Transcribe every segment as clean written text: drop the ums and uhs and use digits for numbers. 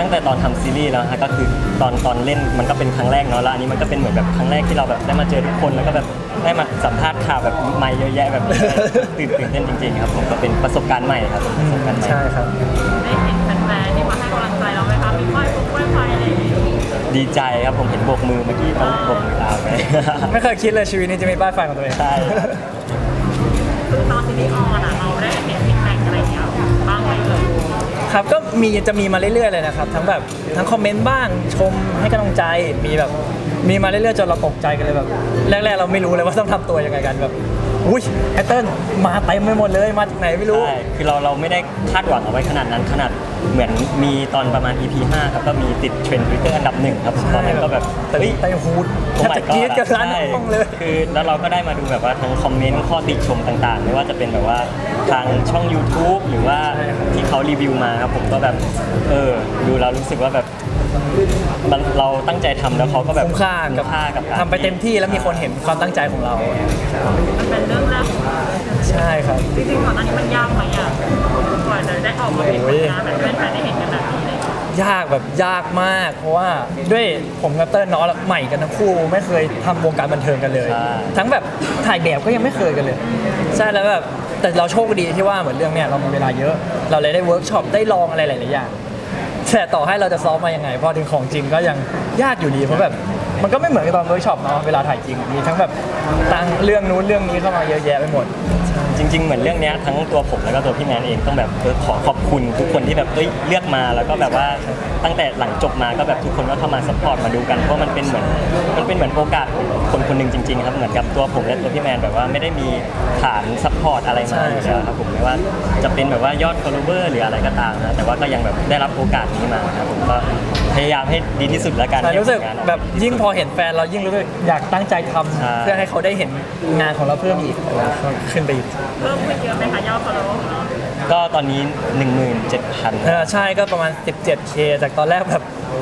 งแต่ตอนทำซีรีส์แล้วฮะก็คือตอนเล่นมันก็เป็นครั้งแรกเนาะแล้วอันนี้มันก็เป็นเหมือนแบบครั้งแรกที่เราแบบได้มาเจอทุกคนแล้วก็แบบได้มาสัมภาษณ์ข่าวแบบไม่เยอะแยะแบบตื่นเต้นจริงๆครับผมก็เป็นประสบการณ์ใหม่ครับประสบการณ์ใหม่ใช่ครับได้เห็นแฟนๆที่มาให้กำลังใจเราไหมคะมีป้ายปุ๊บป้ายไฟอะไรอย่างเงี้ยดีใจครับผมเห็นโบกมือเมื่อกี้เขาโบกมือลาไปไม่เคยคิดเลยชีวิตนี้จะมีป้ายไฟของตัวเองใช่คือตอนซีรีส์ออนอะเราได้เห็นฟีดแบ็กอะไรอย่างเงี้ยบ้างไหมเลยครับก็จะมีมาเรื่อยๆเลยนะครับทั้งคอมเมนต์บ้างชมให้กำลังใจมีมาเรื่อยๆจนเราตกใจกันเลยแบบแรกๆเราไม่รู้เลยว่าต้องทำตัวยังไงกันแบบอุ้ยไอเติ้ลมาเต็มไปหมดเลยมาจากไหนไม่รู้ใช่คือเราไม่ได้คาดหวังเอาไว้ขนาดนั้นขนาดเหมือนมีตอนประมาณ EP 5ครับก็มีติดเทรนด์ Twitter อันดับ1ครับตอนนั้นก็แบบเฮ้ยไตฮูดแทบจะกรี๊ดกันร้านห้องเลยคือแล้วเราก็ได้มาดูแบบว่าทั้งคอมเมนต์ข้อติชมต่างๆไม่ว่าจะเป็นแบบว่าทางช่อง YouTube หรือว่าที่เขารีวิวมาครับผมก็แบบดูแล้วรู้สึกว่าแบบเราตั้งใจทำแล้วเขาก็แบบคุ้มค่ากับทำไปเต็มที่แล้วมีคนเห็นความตั้งใจของเรามันเป็นเรื่องแรกใช่ครับจริงๆก่อนหน้านี้มันยากไหมอ่ะกว่าจะได้ออกมาเป็นผลงานแบบแฟนๆได้เห็นกันแบบนี้เลยยากมากเพราะว่าด้วยผมกับเติ้ลเนาะใหม่กันทั้งคู่ไม่เคยทำวงการบันเทิงกันเลยทั้งแบบถ่ายแบบก็ยังไม่เคยกันเลยใช่แล้วแบบแต่เราโชคดีที่ว่าเหมือนเรื่องเนี้ยเรามีเวลาเยอะเราเลยได้เวิร์กช็อปได้ลองอะไรหลายๆอย่างแต่ต่อให้เราจะซ้อมมายังไงพอถึงของจริงก็ยังยากอยู่ดีเพราะแบบมันก็ไม่เหมือนกับตอนเวิร์กช็อปเนาะเวลาถ่ายจริงมีทั้งแบบตั้งเรื่องนู้นเรื่องนี้เข้ามาเยอะแยะไปหมดจริงๆเหมือนเรื่องนี้ทั้งตัวผมแล้วก็ตัวพี่แมนเองต้องแบบขอขอบคุณทุกคนที่แบบเลือกมาแล้วก็แบบว่าตั้งแต่หลังจบมาก็แบบทุกคนก็เข้ามาซัพพอร์ตมาดูกันเพราะมันเป็นเหมือนโอกาสคนคนหนึ่งจริงๆครับเหมือนกับตัวผมและตัวพี่แมนแบบว่าไม่ได้มีฐานซัพพอร์ตอะไรมาครับผมไม่ว่าจะเป็นแบบว่ายอด follower หรืออะไรก็ตามนะแต่ว่าก็ยังแบบได้รับโอกาสนี้มาครับผมก็พยายามให้ดีที่สุดแล้วกันรู้สึกแบบยิ่งพอเห็นแฟนเรายิ่งรู้สึกอยากตั้งใจทำเพื่อให้เขาได้เห็นงานของเราเพิ่มอีกขึ้นไปอีกเพิ่มขึ้นเยอะไหมคะยอด follower ของเราก็ตอนนี้ 17,000 ใช่ก็ประมาณ 17K จากตอนแรกแบบ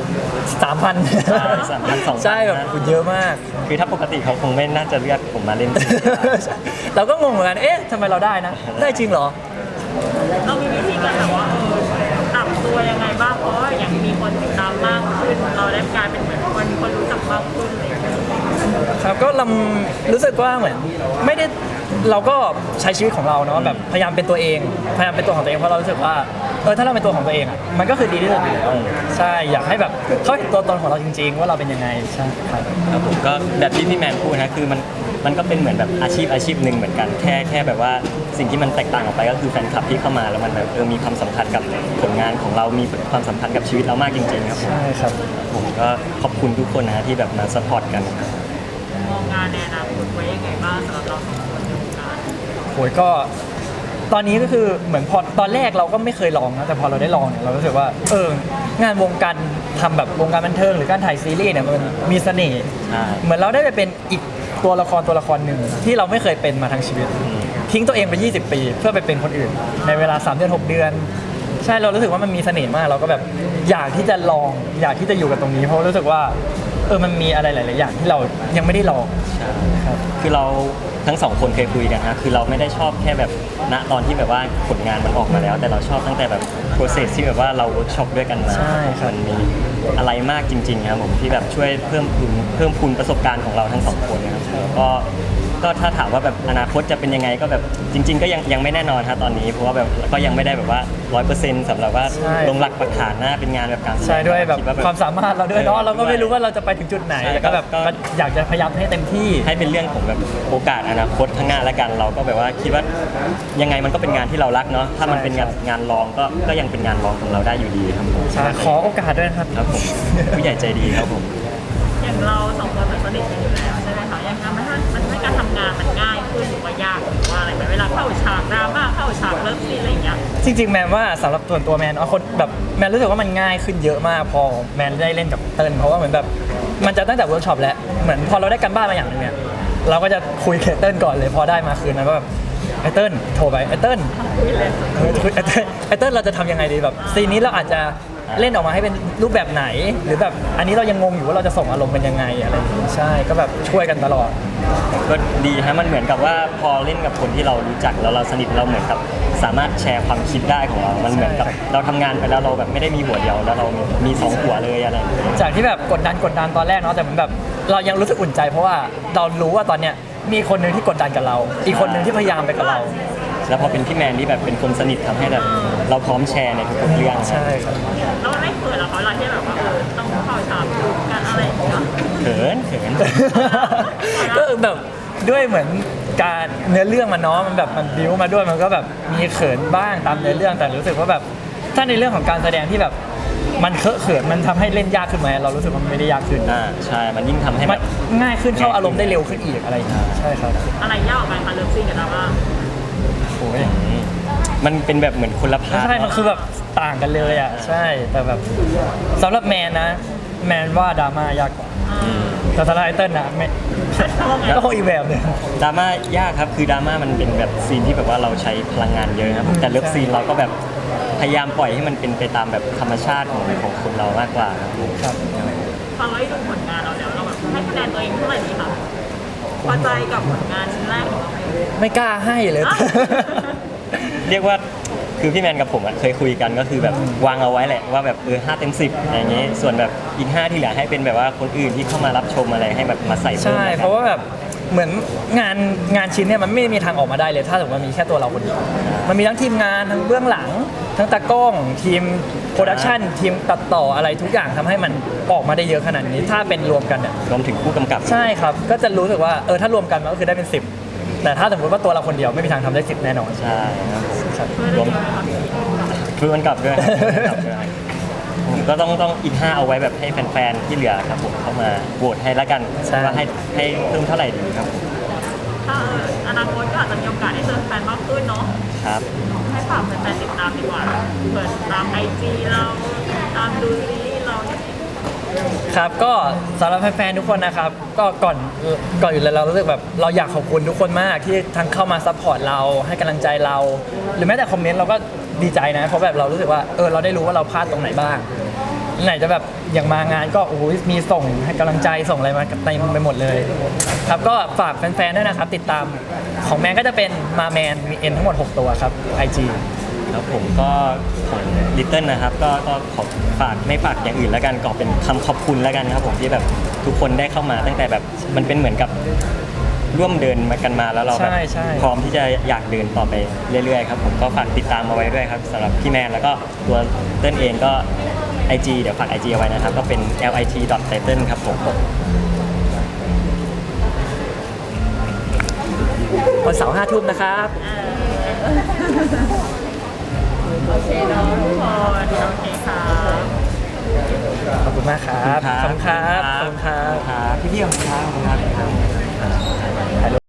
3,000 ใช่แบบเยอะมากคือถ้าปกติเขาคงไม่น่าจะเลือกผมมาเล่นเราก็งงเหมือนกันทำไมเราได้นะได้จริงเหรอเรามีวิธีการแบบว่าปรับตัวยังไงบ้างเพราะว่าอย่างมีคนติดตามมากขึ้นเราได้กลายเป็นเหมือนคนรู้จักมากขึ้นอะไรอย่างเงี้ยครับก็เรารู้สึกว่าเหมือนไม่ได้เราก็ใช้ชีวิตของเราเนาะแบบพยายามเป็นตัวเองพยายามเป็นตัวของตัวเองเพราะเรารู้สึกว่าถ้าเราเป็นตัวของตัวเองอ่ะมันก็คือดีที่สุดแล้วใช่อยากให้แบบเขาเห็นตัวตนของเราจริงๆว่าเราเป็นยังไงใช่ครับผมก็แบบที่พี่แมนพูดนะคือมันก็เป็นเหมือนแบบอาชีพหนึ่งเหมือนกันแค่แบบว่าสิ่งที่มันแตกต่างออกไปก็คือแฟนคลับที่เข้ามาแล้วมันแบบมีความสัมพันธ์กับผลงานของเรามีความสัมพันธ์กับชีวิตเรามากจริงๆครับใช่ครับผมก็ขอบคุณทุกคนนะที่แบบมาซัพพอร์ตกันมองงานในอนาคตไว้ยังไงบ้างสำหรับเราสองคนในวงการโหยก็ตอนนี้ก็คือเหมือนพอตอนแรกเราก็ไม่เคยลองนะแต่พอเราได้ลองเนี่ยเรารู้สึกว่างานวงการทำแบบวงการบันเทิงหรือการถ่ายซีรีส์เนี่ยมันมีเสน่ห์เหมือนเราได้ไปเป็นอีกตัวละครหนึ่งที่เราไม่เคยเป็นมาทั้งชีวิตทิ้งตัวเองไป20 ปีเพื่อไปเป็นคนอื่นในเวลา3 เดือน 6 เดือนใช่เรารู้สึกว่ามันมีเสน่ห์มากเราก็แบบอยากที่จะลองอยากที่จะอยู่กับตรงนี้เพราะรู้สึกว่ามันมีอะไรหลายๆอย่างที่เรายังไม่ได้ลองใช่ครับคือเราทั้งสองคนเคยคุยกันนะคือเราไม่ได้ชอบแค่แบบณตอนที่แบบว่าผลงานมันออกมาแล้วแต่เราชอบตั้งแต่แบบ process ที่แบบว่าเราเวิร์กช็อปด้วยกันมามันมีอะไรมากจริงๆครับผมที่แบบช่วยเพิ่มพูนประสบการณ์ของเราทั้งสองคนนะครับก็ถ้าถามว่าแบบอนาคตจะเป็นยังไงก็แบบจริงๆก็ยังไม่แน่นอนครับตอนนี้เพราะว่าแบบก็ยังไม่ได้แบบว่า 100% สำหรับว่าลงหลักปักฐานนะเป็นงานแบบการใช่ด้วยแบบความสามารถเราด้วยเนาะเราก็ไม่รู้ว่าเราจะไปถึงจุดไหนแล้วก็แบบอยากจะพยายามให้เต็มที่ให้เป็นเรื่องของแบบโอกาสอนาคตข้างหน้าละกันเราก็แบบว่าคิดว่ายังไงมันก็เป็นงานที่เรารักเนาะถ้ามันเป็นงานรองก็ยังเป็นงานรองของเราได้อยู่ดีครับผมขอโอกาสด้วยครับครับผมผู้ใหญ่ใจดีครับผมอย่างเราสองคนเหมือนสนิทกันอยู่แล้วใช่ไหมคะอย่างนั้นมันให้การทำงานมันง่ายขึ้นหรือว่ายากหรือว่าอะไรไหมเวลาเข้าฉากดราม่าเข้าฉากเลิฟซีนอะไรอย่างเงี้ยจริงๆแมนว่าสำหรับส่วนตัวแมนคนแบบแมนรู้สึกว่ามันง่ายขึ้นเยอะมากพอแมนได้เล่นกับเติ้ลเพราะว่าเหมือนแบบมันจะตั้งแต่เวิร์กช็อปแล้วเหมือนพอเราได้กันบ้านมาอย่างนึงเนี่ยเราก็จะคุยกับเติ้ลก่อนเลยพอได้มาคืนนั้นก็แบบไอเติ้ลโทรไปไอเติ้ลเราจะทำยังไงดีแบบซีนนี้เราอาจจะเล่นออกมาให้เป็นรูปแบบไหนหรือแบบอันนี้เรายังงงอยู่ว่าเราจะส่งอารมณ์เป็นยังไงอะไรอย่างงี้ใช่ก็แบบช่วยกันตลอดก็ดีฮะมันเหมือนกับว่าพอเล่นกับคนที่เรารู้จักแล้วเราสนิทเราเหมือนกับสามารถแชร์ความคิดได้ของเรา มันเหมือนกับเราทำงานไปแล้วเราแบบไม่ได้มีหัวเดียวแล้วเรามีสองหัวเลยอะไรอย่างเงี้ยจากที่แบบกดดันตอนแรกเนาะแต่มันแบบเรายังรู้สึกอุ่นใจเพราะว่าเรารู้ว่าตอนเนี้ยมีคนหนึ่งที่กดดันกับเรา อีกคนหนึ่งที่พยายามไปกับเราแล้วพอเป็นพี่แมนที่แบบเป็นคนสนิททำให้แบบเราพร้อมแชร์ในทุกๆเรื่องใช่ครับแล้วมันไม่เขินเหรอเขาเวลาที่แบบว่าต้องเข้าฉากดูกันอะไรอย่างเงี้ยเขินก็แบบด้วยเหมือนการเนื้อเรื่องมันเนาะมันแบบมันบิ้วมาด้วยมันก็แบบมีเขินบ้างตามเนื้อเรื่องแต่รู้สึกว่าแบบถ้าในเรื่องของการแสดงที่แบบมันเคอะเขินมันทำให้เล่นยากขึ้นไหมเรารู้สึกว่ามันไม่ได้ยากขึ้นใช่มันยิ่งทำให้มัแบนบง่ายขึ้นเข้าอารมณ์ได้เร็วขึ้นอีกอะไรอย่างเงี้ยใช่ครับอะไรยากกว่ากันคะเลิฟซีนกับดราม่าโอ้ยมันเป็นแบบเหมือนคนละพาร์ทใช่มันคือแบบต่างกันเลยอ่ะใช่แต่แบบสำหรับแมนนะแมนว่าดราม่ายากกว่าแต่สำหรับไอเติ้ลนะไม่ก็คงอีกแบบหนึงดราม่ายากครับคือดราม่ามันเป็นแบบซีนที่แบบว่าเราใช้พลังงานเยอะครับแต่เลิฟซีนเราก็แบบพยายามปล่อยให้มันเป็นไปตามแบบธรรมชาติของคนเรามากกว่าครับผมครับฟังแล้วดูผลงานเราแล้วเราแบบให้คะแนนตัวเองเท่าไหร่ดีคะพอใจกับผลงานชิ้นแรกของเราไหมไม่กล้าให้เลยเรียกว่าคือพี่แมนกับผมอะเคยคุยกันก็คือแบบวางเอาไว้แหละว่าแบบ5 เต็ม 10อะไรอย่างเงี้ยส่วนแบบอีก5ที่เหลือให้เป็นแบบว่าคนอื่นที่เข้ามารับชมอะไรให้แบบมาใส่เพิ่มใช่แล้วกันเพราะว่าแบบเหมือนงานชิ้นเนี่ยมันไม่มีทางออกมาได้เลย ถ้าสมมติมันมีแค่ตัวเราคนเดียวมันมีทั้งทีมงานทั้งเบื้องหลัง ทั้งตากล้อง ทีมโปรดักชันทีมตัดต่ออะไรทุกอย่างทำให้มันออกมาได้เยอะขนาดนี้ ถ้าเป็นรวมกันเนี่ยรวมถึงผู้กำกับใช่ครับก็จะรู้สึกว่าถ้ารวมกันมันก็คือได้เป็น10แต่ถ้าสมมติว่าตัวเราคนเดียวไม่มีทางทำได้10แน่นอนใช่ครับครับรวมผู้กำกับด้วยผมก็ต้องอีก5เอาไว้แบบให้แฟนๆที่เหลือครับผมเข้ามาโหวตให้ละกันว่าให้เพิ่มเท่าไหร่ดีครับถ้าอนาคตก็อาจจะมีโอกาสได้เจอแฟนมากขึ้นเนาะครับให้ฝากแฟนๆติดตามดีกว่าเปิดตามไอจีเราตามดูซีรีส์เราเนี่ยครับก็สำหรับแฟนๆทุกคนนะครับก็ก่อนอื่นเลยเรารู้สึกแบบเราอยากขอบคุณทุกคนมากที่ทั้งเข้ามาซัพพอร์ตเราให้กำลังใจเรา หรือแม้แต่คอมเมนต์เราก็ดีใจนะเพราะแบบเรารู้สึกว่าเราได้รู้ว่าเราพลาดตรงไหนบ้างไหนจะแบบอย่างมางานก็โอ้โหมีส่งให้กำลังใจส่งอะไรมาเต็มไปหมดเลยครับก็ฝากแฟนๆด้วยนะครับติดตามของแมนก็จะเป็นมาแมนมีเอ็นทั้งหมด6ตัวครับ IG แล้วผมก็ของลิตเติ้ลนะครับก็ขอฝากไม่ฝากอย่างอื่นแล้วกันก็เป็นคำขอบคุณแล้วกันครับผมที่แบบทุกคนได้เข้ามาตั้งแต่แบบมันเป็นเหมือนกับร่วมเดินมากันมาแล้วเราแบบใช่พร้อมที่จะอยากเดินต่อไปเรื่อยๆครับผมก็ฝากติดตามมาไว้ด้วยครับสำหรับพี่แมนแล้วก็ตัวเติ้ลเองก็ IG เดี๋ยวฝาก IG เอาไว้นะครับก็เป็น lit.title ครับผมวันเสาร์5 ทุ่มนะครับโอเคเนาะทุกคนโอเคครับขอบคุณมากครับขอบคุณครับขอบคุณครับครับพี่ๆขอบคุณครับ